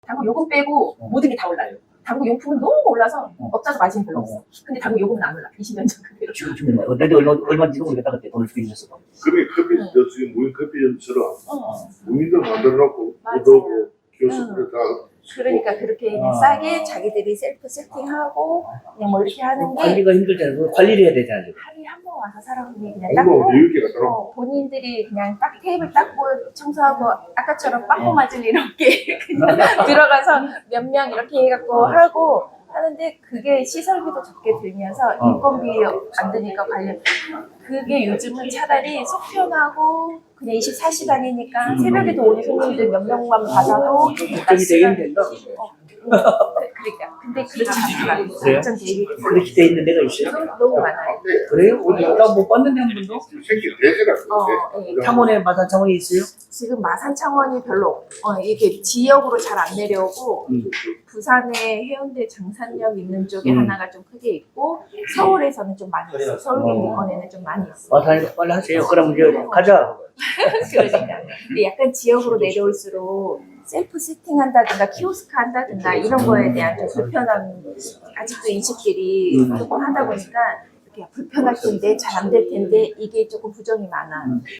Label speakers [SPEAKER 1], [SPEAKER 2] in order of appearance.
[SPEAKER 1] 당구 요금 빼고 모든 게 다 올라요. 당구 용품은 너무 올라서 업자도 마진이 별로 없어. 근데 당구 요금은 안 올라. 20년 전 그대로.
[SPEAKER 2] 지금 내가 얼마인지도 모르겠다 그때 돈을 주기 위해서.
[SPEAKER 3] 그게 커피, 저 지금 무인 커피점처럼 무인도 만들어놓고
[SPEAKER 1] 맞아요.
[SPEAKER 3] 우도고 키오스크를 다.
[SPEAKER 1] 그러니까 그렇게 그냥 싸게 자기들이 셀프 세팅하고 그냥 뭐 이렇게 하는 게
[SPEAKER 2] 관리가 힘들잖아요. 그거 관리를 해야 되잖아요.
[SPEAKER 1] 하루에 한 번 와서 사람들이 그냥
[SPEAKER 3] 공부
[SPEAKER 1] 닦고
[SPEAKER 3] 여유있게 갖다
[SPEAKER 1] 본인들이 그냥 딱 테이블 닦고 청소하고 아까처럼 빵꾸 맞을 일 없게 그냥 들어가서 몇 명 이렇게 해갖고 하고 하는데 그게 시설비도 적게 들면서 인건비 안 드니까 관련 그게 요즘은 차라리 속 편하고 그냥 24시간이니까 새벽에도 오는 손님들 몇 명만 받아도
[SPEAKER 2] 걱정이 되게 힘든다.
[SPEAKER 1] 그러니까 근데 그렇지 않더라고요.
[SPEAKER 2] 그래요?
[SPEAKER 1] 걱정 되게
[SPEAKER 2] 그렇게 돼 있는 데가 있어요?
[SPEAKER 1] 너무 많아요.
[SPEAKER 2] 그래요? 나못 봤는데 한 번도?
[SPEAKER 3] 생긴 대세가
[SPEAKER 1] 예.
[SPEAKER 2] 창원에 마산 창원이 있어요?
[SPEAKER 1] 지금 마산 창원이 별로 이게 지역으로 잘 안 내려오고 부산에 해운대 장산역 있는 쪽에 하나가 좀 크게 있고 서울에서는 좀 많이 있어요. 서울 경기권에는 좀 많이 있어요.
[SPEAKER 2] 마산 빨리 하세요. 그럼 이제 가자.
[SPEAKER 1] 그러니까 근데 약간 지역으로 내려올수록 셀프 세팅한다든가 키오스크 한다든가 이런 거에 대한 좀 불편함 아직도 인식들이 조금 하다 보니까 이렇게 불편할 텐데 잘 안 될 텐데 이게 조금 부정이 많아.